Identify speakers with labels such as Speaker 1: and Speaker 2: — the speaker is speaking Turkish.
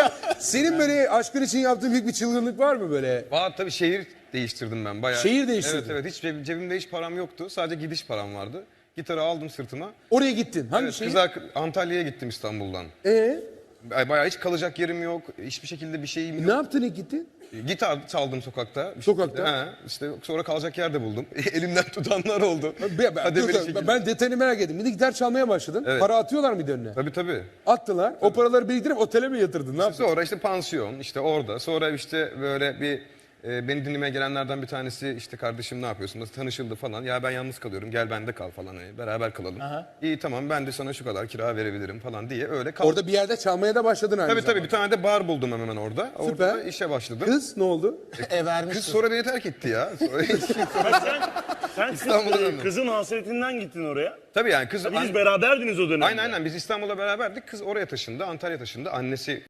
Speaker 1: Ya senin böyle aşkın için yaptığın büyük bir çılgınlık var mı böyle?
Speaker 2: Valla tabii şehir değiştirdim ben bayağı.
Speaker 1: Şehir değiştirdin.
Speaker 2: Evet evet, hiç cebimde hiç param yoktu. Sadece gidiş param vardı. Gitarı aldım sırtıma.
Speaker 1: Oraya gittin. Hangi
Speaker 2: Evet,
Speaker 1: şehir?
Speaker 2: Antalya'ya gittim İstanbul'dan.
Speaker 1: Ee,
Speaker 2: Bayağı hiç kalacak yerim yok. Hiçbir şekilde bir şeyim
Speaker 1: ne
Speaker 2: yok.
Speaker 1: yaptın ilk gittin?
Speaker 2: Gitar çaldım sokakta.
Speaker 1: Sokakta?
Speaker 2: He, işte sonra kalacak yer de buldum. Elimden tutanlar oldu.
Speaker 1: Ben,
Speaker 2: Kademeli şekilde.
Speaker 1: ben detayını merak ettim. Bir de gitar çalmaya başladın.
Speaker 2: Evet.
Speaker 1: Para atıyorlar mıydı önüne?
Speaker 2: Tabii tabii.
Speaker 1: Attılar. O paraları biriktirip otele mi yatırdın? Ne yaptın?
Speaker 2: Sonra işte pansiyon, işte orada. Sonra işte böyle bir beni dinlemeye gelenlerden bir tanesi işte kardeşim ne yapıyorsun? Nasıl tanışıldı falan. Ya ben yalnız kalıyorum, gel bende kal falan. Hani beraber kalalım. İyi tamam, ben de sana şu kadar kira verebilirim falan diye öyle kaldım.
Speaker 1: Orada bir yerde çalmaya da başladın aynı
Speaker 2: Tabii
Speaker 1: zamanda.
Speaker 2: tabii, bir tane de bar buldum hemen orada.
Speaker 1: Süper.
Speaker 2: Orada da işe başladım.
Speaker 1: Kız ne oldu?
Speaker 2: Kız sonra beni terk etti ya. Sonra
Speaker 3: Sen
Speaker 2: İstanbul'a döndüm.
Speaker 3: kızın hasretinden gittin oraya.
Speaker 2: Tabii yani kız...
Speaker 3: Biz beraberdiniz o dönemde.
Speaker 2: Aynen biz İstanbul'la beraberdik. Kız oraya taşındı, Antalya taşındı. Annesi